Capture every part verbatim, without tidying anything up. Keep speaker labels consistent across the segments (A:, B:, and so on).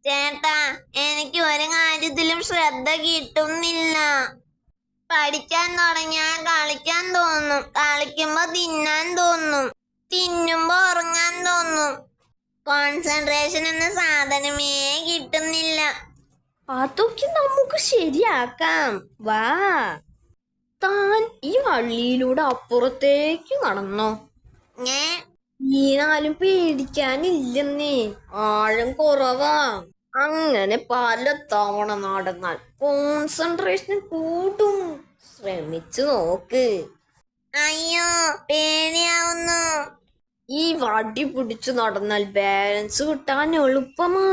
A: ചേട്ടാ, എനിക്ക് ഒരു കാര്യത്തിലും ശ്രദ്ധ കിട്ടുന്നില്ല. പഠിക്കാൻ തുടങ്ങിയാൽ കളിക്കാൻ തോന്നും, കളിക്കുമ്പോ തിന്നാൻ തോന്നും, തിന്നുമ്പോ ഉറങ്ങാൻ തോന്നും. കോൺസെൻട്രേഷൻ എന്ന സാധനമേ കിട്ടുന്നില്ല.
B: അതൊക്കെ നമുക്ക് ശരിയാക്കാം. വാ, താൻ ഈ വള്ളിയിലൂടെ അപ്പുറത്തേക്ക് നടന്നോ.
A: ഞാൻ
B: വീണാലും പേടിക്കാനില്ലെന്നേ, ആഴം കുറവാ. അങ്ങനെ പല തവണ നടന്നാൽ കോൺസെൻട്രേഷൻ കൂടും. ശ്രമിച്ചു നോക്ക്.
A: അയ്യോ, പേടിയാവുന്നു.
B: ഈ വടി പിടിച്ചു നടന്നാൽ ബാലൻസ് കിട്ടാൻ എളുപ്പമാ.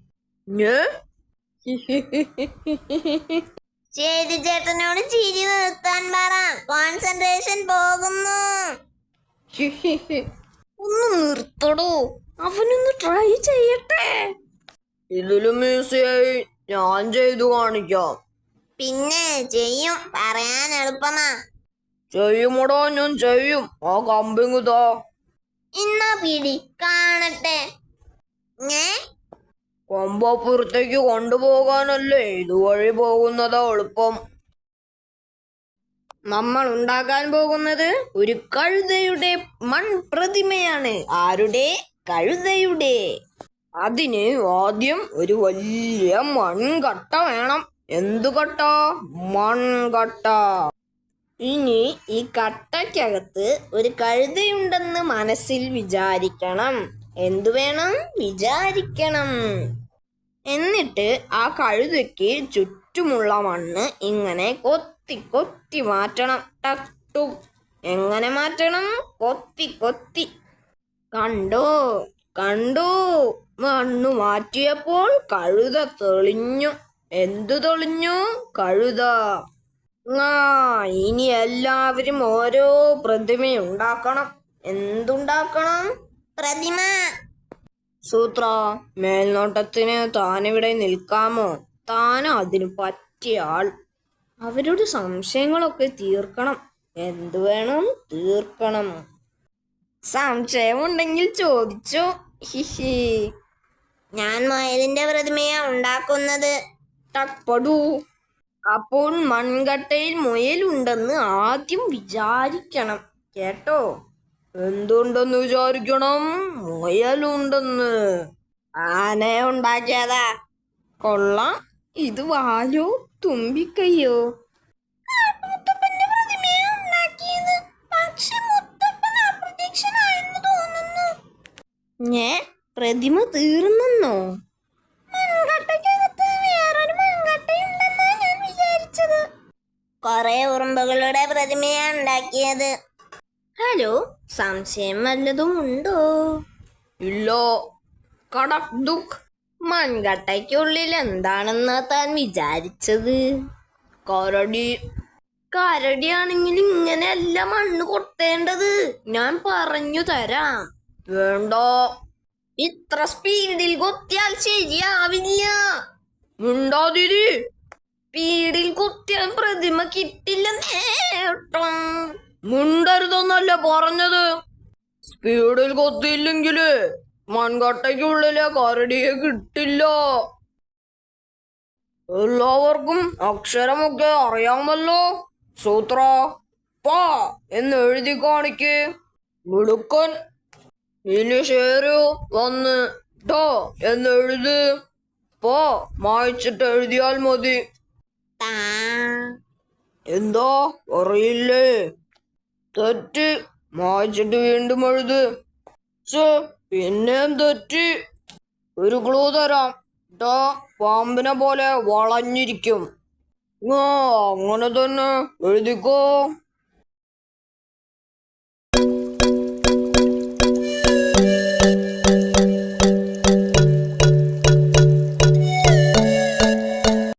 A: ശരി, ചേട്ടനോട് ചിരി നിർത്താൻ പറ. കോൺസെൻട്രേഷൻ പോകുന്നു.
B: ഒന്ന് നിർത്തടോ, അവനൊന്ന് ട്രൈ ചെയ്യട്ടെ. ഇതിലും ഈസിയായി ഞാൻ ചെയ്തു കാണിക്കാം.
A: പിന്നെ ചെയ്യും, പറയാൻ എളുപ്പമാ.
B: ചെയ്യുമോടോ, ഞാൻ ചെയ്യും. ആ കമ്പിങ്ങുതാ.
A: ഇന്നാ പിടി, കാണട്ടെ. ഞേ
B: കൊമ്പപ്പുറത്തേക്ക് കൊണ്ടുപോകാനല്ലേ ഇതുവഴി പോകുന്നതാ എളുപ്പം. നമ്മൾ ഉണ്ടാക്കാൻ പോകുന്നത് ഒരു കഴുതയുടെ മൺപ്രതിമയാണ്. ആരുടെ? കഴുതയുടെ. അതിന് ആദ്യം ഒരു വലിയ മൺകട്ട വേണം. എന്തു കട്ട? മൺകട്ട. ഇനി ഈ കട്ടയ്ക്കകത്ത് ഒരു കഴുതയുണ്ടെന്ന് മനസ്സിൽ വിചാരിക്കണം. എന്തു വേണം? വിചാരിക്കണം. എന്നിട്ട് ആ കഴുതയ്ക്ക് ചുറ്റുമുള്ള മണ്ണ് ഇങ്ങനെ കൊത്തി കൊത്തി മാറ്റണം. ടു എങ്ങനെ മാറ്റണം? കൊത്തി കൊത്തി. കണ്ടോ കണ്ടോ മണ്ണ് മാറ്റിയപ്പോൾ കഴുത തെളിഞ്ഞു. എന്തു തെളിഞ്ഞു? കഴുത. ആ ഇനി എല്ലാവരും ഓരോ പ്രതിമയുണ്ടാക്കണം. എന്തുണ്ടാക്കണം?
A: പ്രതിമ.
B: സൂത്ര, മേൽനോട്ടത്തിന് താനിവിടെ നിൽക്കാമോ? താൻ അതിന് പറ്റിയ ആൾ. അവരുടെ സംശയങ്ങളൊക്കെ തീർക്കണം. എന്തു വേണം? തീർക്കണം. സംശയമുണ്ടെങ്കിൽ ചോദിച്ചോ. ഹിഹി.
A: ഞാൻ മുയലിന്റെ പ്രതിമയാ ഉണ്ടാക്കുന്നത്.
B: ടക്പടു. അപ്പോൾ മൺകട്ടയിൽ മുയലുണ്ടെന്ന് ആദ്യം വിചാരിക്കണം. കേട്ടോ? എന്തുണ്ടെന്ന് വിചാരിക്കണം? മുയലുണ്ടെന്ന്. ആന ഉണ്ടാക്കിയതാ. കൊള്ളാം. ഇത് വാലോ തുമ്പിക്കയ്യോ? ഞേ പ്രതിമ തീർന്നോ?
A: കൊറേ ഉറുമ്പുകളുടെ പ്രതിമയാ ഉണ്ടാക്കിയത്.
B: ഹലോ, സംശയം വല്ലതും ഉണ്ടോ? ഇല്ല. കടക് ദുഃഖ്. മൺകട്ടയ്ക്കുള്ളിൽ എന്താണെന്നാ താൻ വിചാരിച്ചത്? കരടി. കരടിയാണെങ്കിൽ ഇങ്ങനെയല്ല മണ്ണ് കൊത്തേണ്ടത്. ഞാൻ പറഞ്ഞു തരാം. വേണ്ട, ഇത്ര സ്പീഡിൽ കൊത്തിയാൽ ശരിയാവില്ല. മിണ്ടാതിരി. സ്പീഡിൽ കൊത്തിയാൽ പ്രതിമ കിട്ടില്ല. നേട്ടം. മുണ്ടരുതെന്നല്ല പറഞ്ഞത്. സ്പീഡിൽ കൊത്തിയില്ലെങ്കില് മൺകട്ടയ്ക്കുള്ളിലെ കരടിയെ കിട്ടില്ല. എല്ലാവർക്കും അക്ഷരമൊക്കെ അറിയാമല്ലോ. സൂത്ര, പ എന്ന് എഴുതി കാണിക്ക്. മിടുക്കൻ. ഇനി ഷേരു വന്ന് ട എന്ന് എഴുത്. പ മായ്ച്ചിട്ട് എഴുതിയാൽ മതി. എന്താ അറിയില്ലേ? തെറ്റ്. മായ്ച്ചിട്ട് വീണ്ടും എഴുത്. പിന്നെയും തെറ്റി. ഒരു ക്ലൂ തരാം. ടാ പാമ്പിനെ പോലെ വളഞ്ഞിരിക്കും. ആ അങ്ങനെ തന്നെ എഴുതിക്കോ.